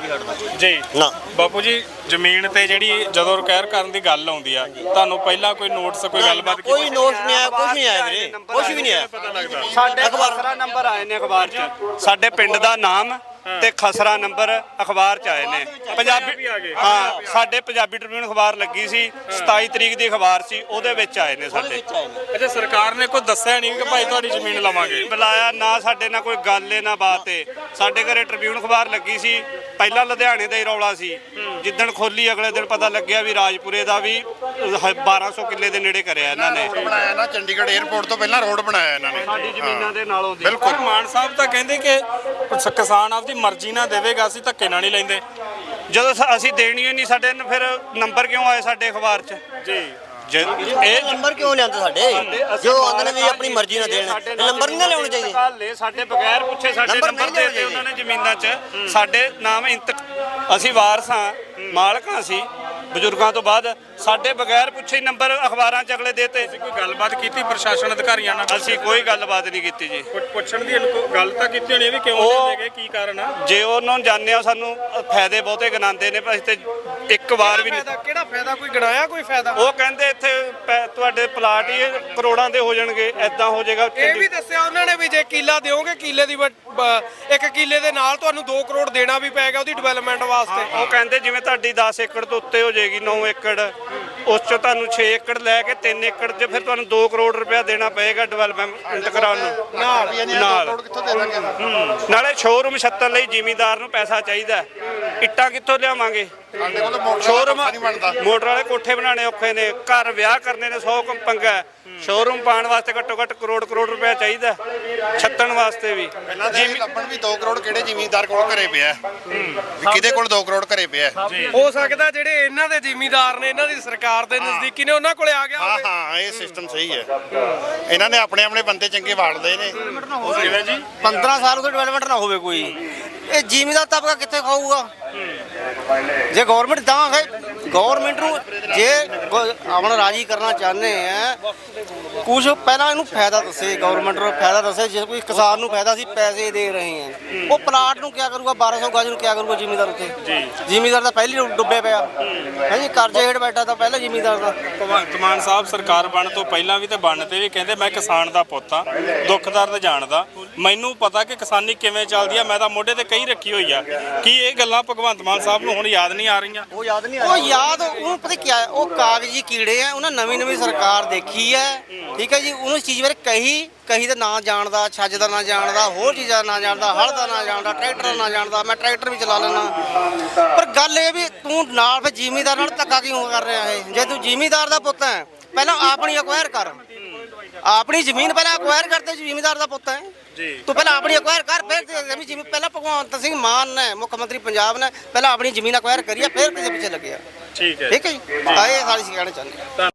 S6: ਜੀ
S8: ਨਾ
S6: ਬਾਪੂ ਜੀ, ਜ਼ਮੀਨ ਤੇ ਜਿਹੜੀ ਜਦੋਂ ਰਿਕੇਅਰ ਕਰਨ ਦੀ ਗੱਲ ਆਉਂਦੀ ਆ, ਤੁਹਾਨੂੰ ਪਹਿਲਾਂ ਕੋਈ ਨੋਟਿਸ, ਕੋਈ ਗੱਲਬਾਤ ਕੀਤੀ?
S8: ਕੋਈ ਨੋਟ ਨਹੀਂ ਆਇਆ, ਕੁਝ ਨਹੀਂ ਆਇਆ ਵੀਰੇ, ਕੁਝ ਵੀ ਨਹੀਂ ਆਇਆ।
S2: ਸਾਡੇ ਖਸਰਾ ਨੰਬਰ ਆਏ ਨੇ ਅਖਬਾਰ 'ਚ, ਸਾਡੇ ਪਿੰਡ ਦਾ ਨਾਮ ਤੇ ਖਸਰਾ ਨੰਬਰ ਅਖਬਾਰ 'ਚ ਆਏ ਨੇ। ਪੰਜਾਬੀ ਹਾਂ, ਸਾਡੇ ਪੰਜਾਬੀ ਟ੍ਰਿਬਿਊਨ ਅਖਬਾਰ ਲੱਗੀ ਸੀ, ਸਤਾਈ ਤਰੀਕ ਦੀ ਅਖਬਾਰ ਸੀ, ਉਹਦੇ ਵਿੱਚ ਆਏ ਨੇ ਸਾਡੇ।
S6: ਅੱਛਾ, ਸਰਕਾਰ ਨੇ ਕੋਈ ਦੱਸਿਆ ਨਹੀਂ ਕਿ ਭਾਈ ਤੁਹਾਡੀ ਜ਼ਮੀਨ ਲਵਾਂਗੇ?
S2: ਬੁਲਾਇਆ ਨਾ, ਸਾਡੇ ਨਾਲ ਕੋਈ ਗੱਲ ਏ ਨਾ ਬਾਤ ਏ। ਸਾਡੇ ਘਰੇ ਟ੍ਰਿਬਿਊਨ ਅਖਬਾਰ ਲੱਗੀ ਸੀ, ਪਹਿਲਾਂ ਲੁਧਿਆਣੇ ਦਾ ਹੀ ਰੌਲਾ ਸੀ, ਜਿੱਦਣ ਖੋਲੀ ਅਗਲੇ ਦਿਨ ਪਤਾ ਲੱਗਿਆ ਵੀ ਰਾਜਪੁਰੇ ਦਾ ਵੀ ਬਾਰਾਂ ਸੌ ਕਿੱਲੇ ਦੇ ਨੇੜੇ ਕਰਿਆ ਇਹਨਾਂ ਨੇ।
S7: ਬਣਾਇਆ ਨਾ, ਚੰਡੀਗੜ੍ਹ 에ਅਰਪੋਰਟ ਤੋਂ ਪਹਿਲਾਂ ਰੋਡ ਬਣਾਇਆ ਇਹਨਾਂ ਨੇ
S2: ਸਾਡੀ ਜ਼ਮੀਨਾਂ ਦੇ ਨਾਲੋਂ ਦੀ।
S6: ਬਿਲਕੁਲ। ਮਾਨ ਸਾਹਿਬ ਤਾਂ ਕਹਿੰਦੇ ਕਿ ਸ- ਕਿਸਾਨ ਆਪਦੀ ਮਰਜ਼ੀ ਨਾਲ ਦੇਵੇਗਾ, ਅਸੀਂ ਧੱਕੇ ਨਾਲ ਨਹੀਂ ਲੈਂਦੇ।
S2: ਜਦੋਂ ਸ- ਅਸੀਂ ਦੇਣੀ ਓ ਨਹੀਂ, ਸਾਡੇ ਨ- ਫਿਰ ਨੰਬਰ ਕਿਉਂ ਆਏ ਸਾਡੇ ਅਖਬਾਰ 'ਚ?
S6: ਜੀ
S2: ਜੇ ਇਹ
S8: ਨੰਬਰ ਕਿਉਂ ਲਿਆਂਦੇ ਸਾਡੇ? ਜੋ ਆਂਦੇ ਨੇ ਵੀ ਆਪਣੀ ਮਰਜ਼ੀ ਨਾਲ ਦੇਣ, ਇਹ ਨੰਬਰ ਨਹੀਂ ਨਾ ਲਿਆਉਣੇ ਚਾਹੀਦੇ।
S2: ਲੈ ਸਾਡੇ ਬਗੈਰ ਪੁੱਛੇ ਸਾਡੇ
S8: ਨੰਬਰ
S2: ਨੰਬਰ
S8: ਨਹੀਂ
S2: ਦੇ
S8: ਲਿਆਉਣੇ
S2: ਦਿੱਤੇ ਉਹਨਾਂ ਨੇ ਜ਼ਮੀਨਾਂ 'ਚ। ਸਾਡੇ ਨਾਮ ਇੰਤ ਅਸੀਂ ਵਾਰਸ ਹਾਂ, ਮਾਲਕਾਂ ਸੀ ਬਜ਼ੁਰਗਾਂ ਤੋਂ ਬਾਅਦ, ਸਾਡੇ ਬਗੈਰ ਪੁੱਛੇ ਹੀ ਨੰਬਰ ਅਖਬਾਰਾਂ 'ਚ ਅਗਲੇ ਦੇਤੇ।
S6: ਕੋਈ ਗੱਲਬਾਤ ਕੀਤੀ ਪ੍ਰਸ਼ਾਸਨ ਅਧਿਕਾਰੀਆਂ ਨਾਲ?
S2: ਅਸੀਂ ਕੋਈ ਗੱਲਬਾਤ ਨਹੀਂ ਕੀਤੀ ਜੀ।
S6: ਪੁੱਛ- ਪੁੱਛਣ ਦੀ ਇਨਕੋ- ਗੱਲ ਤਾਂ ਕੀਤੀ ਹੋਣੀ ਵੀ ਕਿਉਂ
S2: ਉਹ-
S6: ਨਹੀਂ ਦੇਗੇ, ਕੀ ਕਾਰਨ ਆ?
S2: ਜੇ ਉਹਨਾਂ ਨੂੰ ਜਾਣਦੇ ਆ, ਸਾਨੂੰ ਫਾਇਦੇ ਬਹੁਤੇ ਗਿਣਾਉਂਦੇ ਨੇ, ਪਰ ਅਸੀਂ ਤੇ ਇੱਕ ਵਾਰ ਵੀ ਨਹੀਂ।
S5: ਫਾਇਦਾ ਕਿਹੜਾ ਫਾਇਦਾ ਕੋਈ ਗਣਾਇਆ ਕੋਈ ਫਾਇਦਾ?
S2: ਉਹ ਕਹਿੰਦੇ ਇੱਥੇ ਪੈ- ਤੁਹਾਡੇ ਪਲਾਟ ਹੀ ਇਹ ਕਰੋੜਾਂ ਦੇ ਹੋ ਜਾਣਗੇ, ਐਦਾਂ ਹੋ ਜਾਏਗਾ।
S5: ਇਹ ਵੀ ਦੱਸਿਆ ਉਹਨਾਂ ਨੇ ਵੀ ਜੇ ਕਿੱਲਾ ਦਿਓਗੇ, ਕਿੱਲੇ ਦੀ ਵ- ਬ- ਇੱਕ ਕਿੱਲੇ ਦੇ ਨਾਲ ਤੁਹਾਨੂੰ ਦੋ ਕਰੋੜ ਦੇਣਾ ਵੀ ਪਏਗਾ ਉਹਦੀ ਡਿਵੈਲਪਮੈਂਟ ਵਾਸਤੇ।
S2: ਉਹ ਕਹਿੰਦੇ ਜਿਵੇਂ ਤੁਹਾਡੀ ਦਸ ਏਕੜ ਤੋਂ ਉੱਤੇ ਹੋ ਜਾਏਗੀ, ਨੌ ਏਕੜ, ਉਸ ਚੋਂ ਤੁਹਾਨੂੰ ਛੇ ਏਕੜ ਲੈ ਕੇ ਤਿੰਨ ਏਕੜ 'ਚ ਫਿਰ ਤੁਹਾਨੂੰ ਦੋ ਕਰੋੜ ਰੁਪਇਆ ਦੇਣਾ ਪਏਗਾ ਡਿਵੈਲਪਮੈਂਟ ਕਰਾਉਣ ਨੂੰ।
S7: ਨਾਲ
S2: ਨਾਲ।
S7: ਰੋਡ ਕਿੱਥੋਂ ਦੇ ਦਾਂਗੇ?
S2: ਹੂੰ। ਨਾਲੇ ਸ਼ੋਰੂਮ ਛੱਤਣ ਲਈ ਜ਼ਿਮੀਂਦਾਰ ਨੂੰ ਪੈਸਾ ਚਾਹੀਦਾ, ਇੱਟਾਂ ਕਿੱਥੋਂ ਲਿਆਵਾਂਗੇ?
S7: ਸਾਡੇ ਕੋਲ ਮੋਟਰ
S2: ਸ਼ੋਰੂਮ
S7: ਨਹੀਂ ਬਣਦਾ।
S2: ਮੋਟਰ ਵਾਲੇ ਕੋਠੇ ਬਣਾਉਣੇ ਔਖੇ ਨੇ, ਘਰ ਵਿਆਹ ਕਰਨੇ ਨੇ, ਸੌ ਪੰਗਾ ਹੈ। ਸ਼ੋਰੂਮ ਪਾਉਣ ਵਾਸਤੇ ਘੱਟੋ ਘੱਟ ਕਰੋੜ ਕਰੋੜ ਰੁਪਇਆ ਚਾਹੀਦਾ, ਛੱਤਣ ਵਾਸਤੇ ਵੀ।
S7: ਪਹਿਲਾਂ ਤਾਂ ਇਹ ਲੱਭਣ ਵੀ ਦੋ ਕਰੋੜ ਕਿਹੜੇ ਜ਼ਿਮੀਂਦਾਰ ਕੋਲ ਘਰੇ ਪਿਆ, ਵੀ ਕਿਹਦੇ ਕੋਲ ਦੋ ਕਰੋੜ ਘਰੇ ਪਿਆ।
S5: ਹੋ ਸਕਦਾ ਜਿਹੜੇ ਇਹਨਾਂ ਦੇ ਜ਼ਿਮੀਂਦਾਰ ਨੇ, ਇਹਨਾਂ ਦੀ ਸਰਕਾਰ ਦੇ ਨਜ਼ਦੀਕੀ ਨੇ, ਉਹਨਾਂ ਕੋਲੇ ਆ ਗਿਆ
S7: ਹਾਂ
S5: ਹੋਵੇ।
S7: ਹਾਂ, ਇਹ ਸਿਸਟਮ ਸਹੀ ਹੈ। ਇਹਨਾਂ ਨੇ ਆਪਣੇ ਆਪਣੇ ਬੰਦੇ ਚੰਗੇ ਵਾੜਦੇ ਨੇ।
S6: ਕਿਵੇਂ ਜੀ?
S4: ਪੰਦਰਾਂ ਸਾਲ ਤੋਂ ਡਿਵੈਲਪਮੈਂਟ ਨਾ ਹੋਵੇ ਕੋਈ, ਇਹ ਜ਼ਿਮੀਂਦਾਰ ਤਬਕਾ ਕਿੱਥੇ ਖਾਊਗਾ? ਜੇ ਗਵਰਨਮੈਂਟ ਤਾਂ ਹੈ, ਗਵਰਨਮੈਂਟ ਨੂੰ ਜੇ ਗ- ਆਪਣਾ ਰਾਜੀ ਕਰਨਾ ਚਾਹੁੰਦੇ ਆ, ਕੁਝ ਪਹਿਲਾਂ ਇਹਨੂੰ ਫਾਇਦਾ ਦੱਸੇ, ਗਵਰਨਮੈਂਟ ਨੂੰ ਫਾਇਦਾ ਦੱਸੇ। ਜੇ ਕੋਈ ਕਿਸਾਨ ਨੂੰ ਫਾਇਦਾ, ਅਸੀਂ ਪੈਸੇ ਦੇ ਰਹੇ ਹਾਂ, ਉਹ ਪਲਾਟ ਨੂੰ ਕੀ ਕਰੂਗਾ? ਬਾਰਾਂ ਸੌ ਗਜ ਨੂੰ ਕੀ ਕਰੂਗਾ ਜ਼ਿਮੀਂਦਾਰ ਉੱਥੇ? ਜ਼ਿਮੀਂਦਾਰ ਤਾਂ ਪਹਿਲੀ ਡੁੱਬੇ ਪਿਆ ਹੈ ਜੀ, ਕਰਜ਼ੇ ਹੇਠ ਬੈਠਾ ਤਾਂ ਪਹਿਲਾਂ ਜ਼ਿਮੀਂਦਾਰ ਦਾ।
S6: ਭਗਵੰਤ ਮਾਨ ਸਾਹਿਬ ਸਰਕਾਰ ਬਣਨ ਤੋਂ ਪਹਿਲਾਂ ਵੀ ਤੇ ਬਣਨ ਤੇ ਵੀ ਕਹਿੰਦੇ ਮੈਂ ਕਿਸਾਨ ਦਾ ਪੁੱਤ ਆ, ਦੁੱਖ ਦਰਦ ਜਾਣਦਾ, ਮੈਨੂੰ ਪਤਾ ਕਿ ਕਿਸਾਨੀ ਕਿਵੇਂ ਚੱਲਦੀ ਆ, ਮੈਂ ਤਾਂ ਮੋਢੇ ਤੇ ਕਈ ਰੱਖੀ ਹੋਈ ਆ। ਕੀ ਇਹ ਗੱਲਾਂ ਭਗਵੰਤ ਭਗਵੰਤ ਮਾਨ ਸਾਹਿਬ ਨੂੰ ਹੁਣ ਯਾਦ ਨਹੀਂ ਆ ਰਹੀਆਂ?
S4: ਉਹ ਯਾਦ ਨਹੀਂ ਉਹ ਯਾਦ ਉਹਨੂੰ ਪਤਾ ਕੀ ਹੈ, ਉਹ ਕਾਗਜ਼ੀ ਕੀੜੇ ਆ। ਉਹਨਾਂ ਨਵੀਂ ਨਵੀਂ ਸਰਕਾਰ ਦੇਖੀ ਹੈ, ਠੀਕ ਹੈ ਜੀ। ਉਹਨੂੰ ਇਸ ਚੀਜ਼ ਬਾਰੇ ਕਹੀ ਕਹੀ ਦਾ ਨਾਂ ਜਾਣਦਾ, ਛੱਜ ਦਾ ਨਾਂ ਜਾਣਦਾ, ਹੋਰ ਚੀਜ਼ਾਂ ਦਾ ਨਾਂ ਜਾਣਦਾ, ਹਲ ਦਾ ਨਾਂ ਜਾਣਦਾ, ਟਰੈਕਟਰ ਦਾ ਨਾਂ ਜਾਣਦਾ। ਮੈਂ ਟਰੈਕਟਰ ਵੀ ਚਲਾ ਲੈਣਾ। ਪਰ ਗੱਲ ਇਹ ਵੀ ਤੂੰ ਨਾਲ ਫਿਰ ਜ਼ਿਮੀਂਦਾਰ ਨਾਲ ਧੱਕਾ ਕਿਉਂ ਕਰ ਰਿਹਾ ਹੈ? ਜੇ ਤੂੰ ਜ਼ਿਮੀਂਦਾਰ ਦਾ ਪੁੱਤ ਹੈ, ਪਹਿਲਾਂ ਆਪਣੀ ਅਕਵਾਇਰ ਕਰ। ਆਪਣੀ ਜ਼ਮੀਨ ਪਹਿਲਾਂ ਅਕਵਾਇਰ ਕਰਦੇ, ਜ਼ਿਮੀਂਦਾਰ ਦਾ ਪੁੱਤ ਹੈ
S6: ਜੀ।
S4: ਤੂੰ ਪਹਿਲਾਂ ਆਪਣੀ ਅਕਵਾਇਰ ਕਰ, ਫਿਰ ਜ਼ਮੀਨ ਪਹਿਲਾਂ ਭਗਵੰਤ ਸਿੰਘ ਮਾਨ ਨੇ, ਮੁੱਖ ਮੰਤਰੀ ਪੰਜਾਬ ਨੇ ਪਹਿਲਾਂ ਆਪਣੀ ਜ਼ਮੀਨ ਅਕਵਾਇਰ ਕਰੀ ਆ, ਫਿਰ ਕਿਸੇ ਪਿੱਛੇ ਲੱਗਿਆ।
S6: ਠੀਕ ਹੈ
S4: ਠੀਕ ਹੈ ਜੀ, ਆਏ ਸਾਡੀ ਸਿਖਾਣੇ ਚਾਹੁੰਦੇ।